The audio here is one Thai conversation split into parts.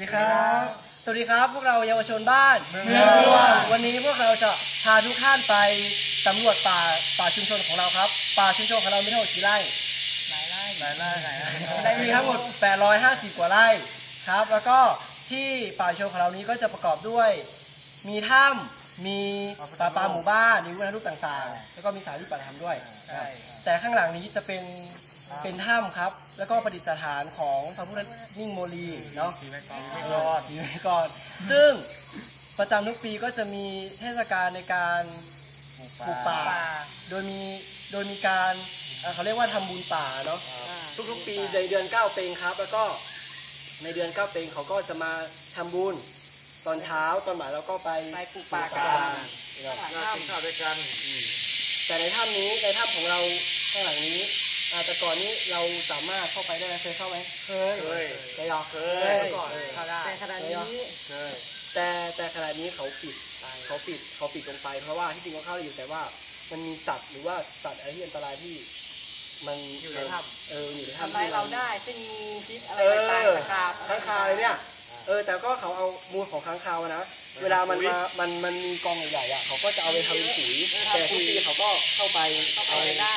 ครับสวัสดีครับพวกเราเยาวชนบ้านเมืองรวมวันนี้พวกเราจะพาทุกท่านไปสำรวจป่าชุมชนของเราครับป่าชุมชนของเรามีทั้งหมดกี่ไร่หลายไร่มีทั้งหมด850กว่าไร่ครับแล้วก็ที่ป่าชุมชนของเรานี้ก็จะประกอบด้วยมีถ้ำมีป่าหมู่บ้านมีวัฒนธรรมต่างๆแล้วก็มีสถานที่ปฏิบัติธรรมด้วยแต่ข้างหลังนี้จะเป็นถ้ำครับแล้วก็ประดิษฐานของพระพุทธนิ่งโมลีเนาะศรีไม้กรซึ่งประจำทุกปีก็จะมีเทศกาลในการปลูกป่าโดยมีการเขาเรียกว่าทำบุญป่าเนาะทุกๆปีในเดือน9เพ็งครับแล้วก็ในเดือน9เพ็งเขาก็จะมาทำบุญตอนเช้าตอนบ่ายเราก็ไปปลูกป่ากันกินข้าวด้วยกันแต่ในถ้ำนี้ในถ้ำของเราข้างหลังนี้แต่ก่อนนี้เราสามารถเข้าไปได้ไหมเคยเข้าไหมเคยเคยก่อนเข้าได้แต่ขณะนี้แต่ขณะนี้เขาปิดลงไปเพราะว่าที่จริงก็เข้าได้อยู่แต่ว่ามันมีสัตว์หรือว่าสัตว์อะไรที่อันตรายที่มันอยู่ในถ้ำอยู่ในถ้ำทำร้ายเราได้เช่นงูพิษอะไรต่างๆค้างคาวอะไรเนี่ยแต่ก็เขาเอามูลของค้างคาวนะเวลามันมีกองใหญ่ๆเขาก็จะเอาไปทำเป็นปุ๋ยแต่ทุกปีเขาก็เข้าไปเอาได้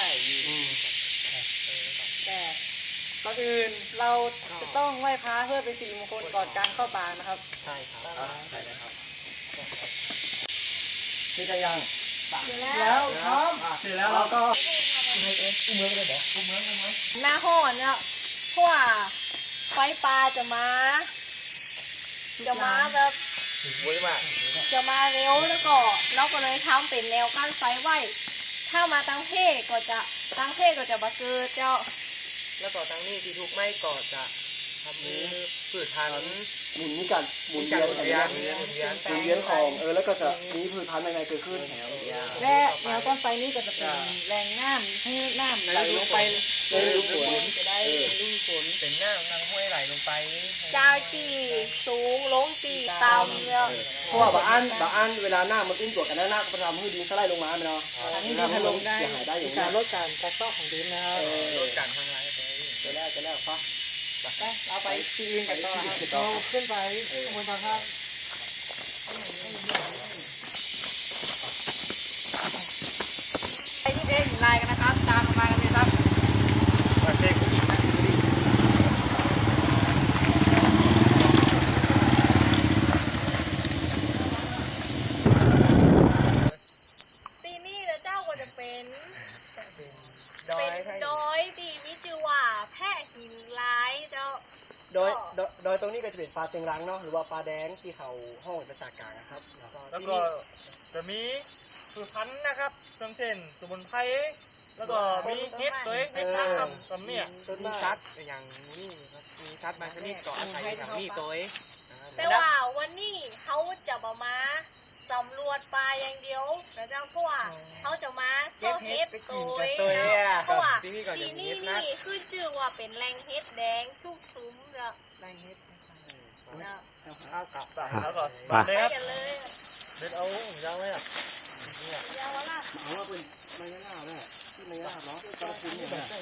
แต่ก่อนอื่นเราจะต้องไหว้พระเพื่อเป็นสิริมงคลก่อนการเข้าป่านะครับใช่ครับใช่ครับนี่จะยังแล้วครับเสร็จแล้วเราก็อุ้มเมืองเลยเหรออุ้มเมืองกันไหมหน้าห้อนเนี่ยเพราะว่าไฟป่าจะมาแบบจะมาเร็วแล้วก็เราก็เลยทำเป็นแนวกั้นไฟไว้ถ้ามาตั้งเพศก็จะมาเกิดเจ้าแล้วก็ตั้งนี่ที่ทุกไม่ก่อจะทำมือผืดพันหมุนกันหมุนเวียนของแล้วก็จะมีพืชพันธุ์ใหม่ๆเกิดขึ้นและแนวต้นไฟนี้ก็จะเป็นแหล่งน้ำให้น้ำไหลลงไปในฤดูฝนจะได้ฤดูฝนเป็นน้ำทางห้วยไหลลงไปจากตีสูงลงตีต่ำเนี่ยเพราะว่าบางอันเวลาหน้ามันอุ้มตัวกันแล้วหน้าก็ทำให้ดินสไลด์ลงมาไหมเนาะอันนี้ดินถล่มได้เสียหายได้อย่างนี้ลดการกระซอกของดินนะครับลดการทางไหลจะแล้วฟ้าเอาไปที่อื่นกันต่อครับเราขึ้นไปข้างบนทางครับไปที่เด้งลายกันนะครับตามมากันเลยครับปีนี้เดี๋ยวเจ้าก็จะเป็นดอยที่มีชื่อว่าแพะหินลายเจ้าโดยตรงนี้ก็จะเป็นปลาเต็งรังเนาะหรือว่าปลาแดงที่เขาห้องประชาการนะครับแล้วก็จะมีพืชพันธุ์นะครับเช่นสมุนไพรแล้วก็มีเห็ดตัวเห็ดนะครับตำเนี่ยมีชัดอย่างนี้มีชัดบางชนิดก็อาศัยอย่างนี้ตัวแต่ว่าวันนี้เขาจะมาสำรวจปลาอย่างเดียวแต่เจ้าเพราะว่าเขาจะมาซ่อเห็ดตัวเพราะว่าที่นี่ขึ้นชื่อว่าเป็นแหล่งเห็ดแดงชุกซุ้มเนาะแหล่งเห็ดเอากลับแล้วก็ไปกันเลยเดินเอายาวไหมอ่ะยาวละเอาว่าเป็นไม่ยาวเลยที่ไม่ยาวเนาะก็คุ้นอยู่นะ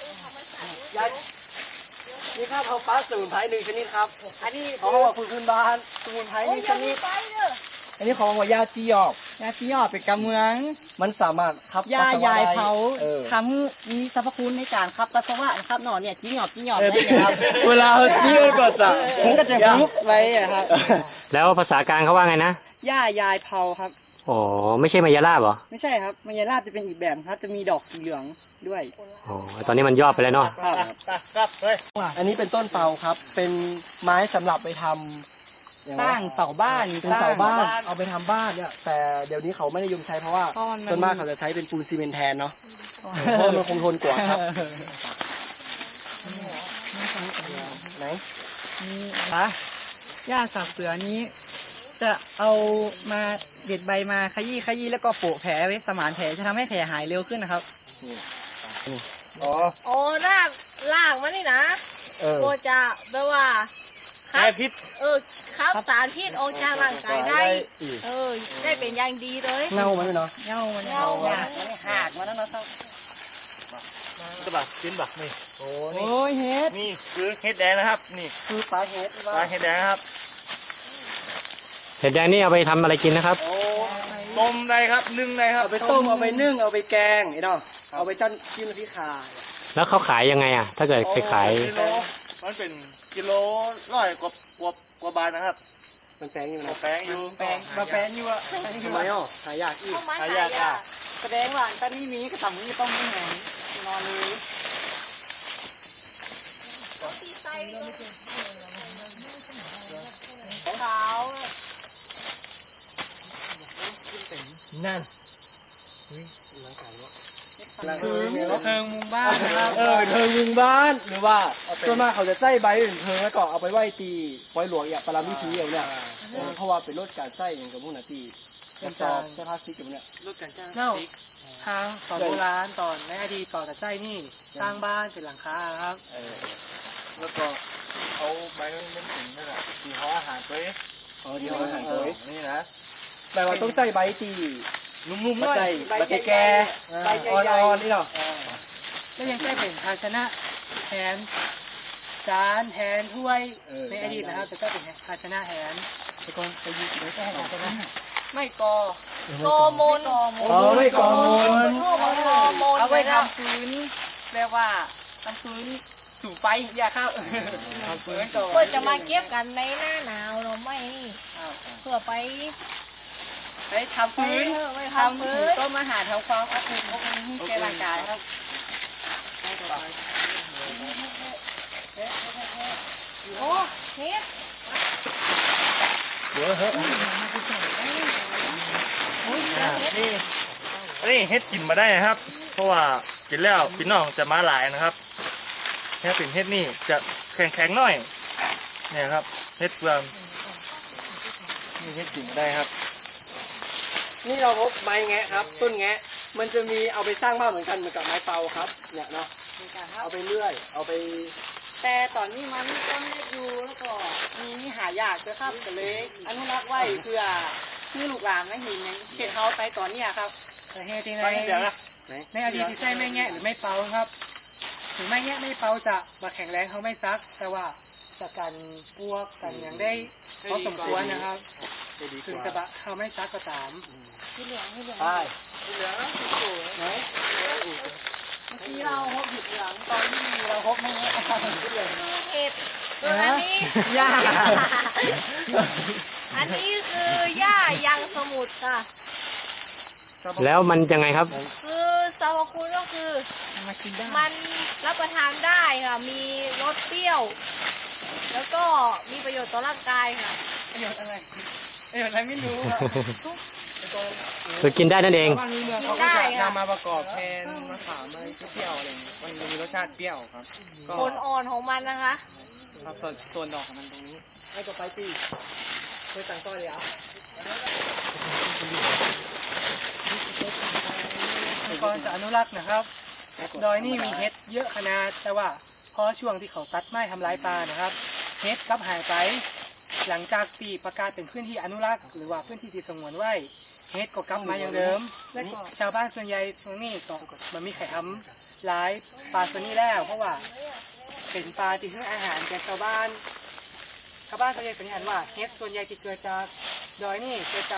นี่ครับเขาปลาสมุนไพร1ชนิดครับอันนี้เขาบอกพื้นบ้านสมุนไพร1ชนิดอันนี้ของว่ายาจีหยอกเป็นกำเมืองมันสามารถขับยายเผาทำให้มีสรรพคุณในการขับปัสสาวะนะครับหนอนเนี่ยจีหยอกได้ครับเวลาจี้ก็จะผมก็จะยุบไว้ครับแล้วภาษากลางเขาว่าไงนะยายเผาครับอ๋อไม่ใช่มายาลาบเหรอไม่ใช่ครับมายาลาบจะเป็นอีกแบบครับจะมีดอกสีเหลืองด้วยอ๋อตอนนี้มันยอดไปแล้วเนาะครับเฮ้ยอันนี้เป็นต้นเปาครับเป็นไม้สำหรับไปทำสร้างเสาบ้านเป็นเสาบ้านเอาไปทำบ้านเนี่ยแต่เดี๋ยวนี้เขาไม่นิยมใช้เพราะว่าส่วนมากเขาจะใช้เป็นปูนซีเมนต์แทนเนาะเพราะมันคงทนกว่าครับไหนนี่นะหญ้าสับเสือนี้จะเอามาเด็ดใบมาขยี้แล้วก็โปะแผลไว้สมานแผลจะทำให้แผลหายเร็วขึ้นนะครับอ๋อรากมันนี่นะก็จะแปลว่าครับพิษครับสารพิษออกจากร่างกายได้ได้เป็นอย่างดีเลยเน่าไหมเนาะเน่าหักมาแล้วนะครับจะบักกินบักนี่โอ้ยเห็ดนี่คือเห็ดแดงนะครับนี่คือปลาเห็ดแดงครับเห็ดแดงนี่เอาไปทำอะไรกินนะครับต้มได้ครับนึ่งได้ครับเอาไปต้มเอาไปนึ่งเอาไปแกงไอ้น้องเอาไปจ้นจิ้มน้ำพริกข่าแล้วเขาขายยังไงอ่ะ ถ้าเกิดไปขายกิโลมันเป็นกิโล100 กว่าบาทนะครับมันแปลงอยู่หมูนะแป้งอยู่แปลงมาแปลงอยู่อะทำไมอ่ะหายากอีกเข้ามาหาหายากยาอ่ะแสดงว่าตอนนี้มีกระต่ำนี่ต้องมีแหงนอนเลยที่ไส้ก็ขาวนั่นเทิงมุมบ้านนะครับเทิงมุงบ้านหรือว่าส่วนมากเขาจะใส่ใบอื่นเทิงแล้วก็เอาไปไหว้ตีปล่อยหลวงอย่างปรามิธีเอาเนี่ยเพราะว่าเป็นรถการใส่อย่างกับพวกนั้นตีเป็นจอบใช้พลาสติกอย่างเนี้ยรถกันจ้างเน่าทางตอนโบราณตอนในอดีตต่อแต่ใจนี่สร้างบ้านเป็นหลังคาครับแล้วก็เอาใบมันถึงนั่นแหละตีห่ออาหารตัวเองเดียวอาหารตัวนี่นะแต่ว่าต้องใส่ใบตีนุ่มๆหมาน่อยใส่ใบแก่ใบอ่อนๆนี่เนาะแล้วยังใช้เป็นภาชนะแทนจานแทนถ้วยในอดีตนะครับแต่ก็เป็นภาชนะแทนแต่ก่อนไปยึดไม่ใช่ภาชนะไม่กอโกมนไม่กองมูลพวกโกมนเอาไปทำพื้นเรียกว่าทำพื้นสูงไปอย่าครับทำพื้นก่อนเพื่อจะมาเก็บกันในหน้าหนาวเราไม่นี่เพื่อไปไปทำพื้นไปทำทำพื้พื้นนต้มอาหารทำความอบอุ่นให้แก่ร่างกายครับโอ้เฮ็ดนี่เฮ็ดกินมาได้นะครับ เพราะว่ากินแล้วพี่น้องจะมาหลายนะครับเฮ็ดเป็นเฮ็ดนี่จะแข็งๆหน่อยเนี่ยครับเฮ็ดเปลืองนี่เฮ็ดกินมาได้ครับนี่เราพบไม้แงะครับ ต้นแงะมันจะมีเอาไปสร้างบ้านเหมือนกันเหมือนกับไม้เตาครับเนี่ยเนาะเอาไปเลื่อยเอาไปแต่ตอนนี้มันต้นเล็กอยู่แล้วก็มีหายากด้วยครับก็เลยอนุรักษ์ไว้เพื่อที่ลูกหลานไม่เห็นอย่างเช่นเขาไปตอนเนี้ยครับแต่เหตุที่ไปเดี๋ยวนะในอดีตที่ใช้ไม่แงะหรือไม่เป่าครับ ถึงไม่แงะไม่เป่าจะมาแข็งแรงเขาไม่ซัก แต่ว่าจะกันพวกกันอย่างได้พอสมควรนะครับถึงจะบะเขาไม่ซักก็ตามที่เหลืองที่เหลืองใช่ที่เราพบหยุดเหลืองตอนที่เราพบไม่แงะครับเห็ดส่วนอันนี้ยากอันนี้คือหญ้ายังสมุทรค่ะแล้วมันยังไงครับคือสรรพคุณก็คือมากินได้มันรับประทานได้ค่ะ มีรสเปรี้ยว แล้วก็มีประโยชน์ต่อร่างกายค่ะประโยชน์อะไรประโยชน์อะไรไม่รู้ครับคือกินได้นั่นเองบางเมืองเขาก็จะนำมาประกอบแทนมะขามอะไรเปรี้ยวๆอะไรอย่างเงี้ยมันจะมีรสชาติเปรี้ยวครับ ก็ผลอ่อนของมันนะคะครับส่วนดอกของมันตรงนี้ให้ตัวไปตีเคยสั่งต้อยเลยอ่ะก่อนจะอนุรักษ์นะครับ ดอยนี่มีเห็ดเยอะขนาดแต่ว่าพอช่วงที่เขาตัดไม้ทำลายป่านะครับเห็ดกลับหายไป หลังจากปีประกาศเป็นพื้นที่อนุรักษ์หรือว่าพื้นที่ที่สงวนไว้เห็ดก็กลับมาอย่างเดิม และก็ชาวบ้านส่วนใหญ่ช่วงนี้ก็มันมีใครทำร้ายปลาตัวนี้แล้ว เพราะว่าเป็นปลาที่ให้อาหารแก่ชาวบ้านส่วนใหญ่สันนิษฐานว่าเห็ดส่วนใหญ่ที่เกิดจากดอยนี่เกิดจาก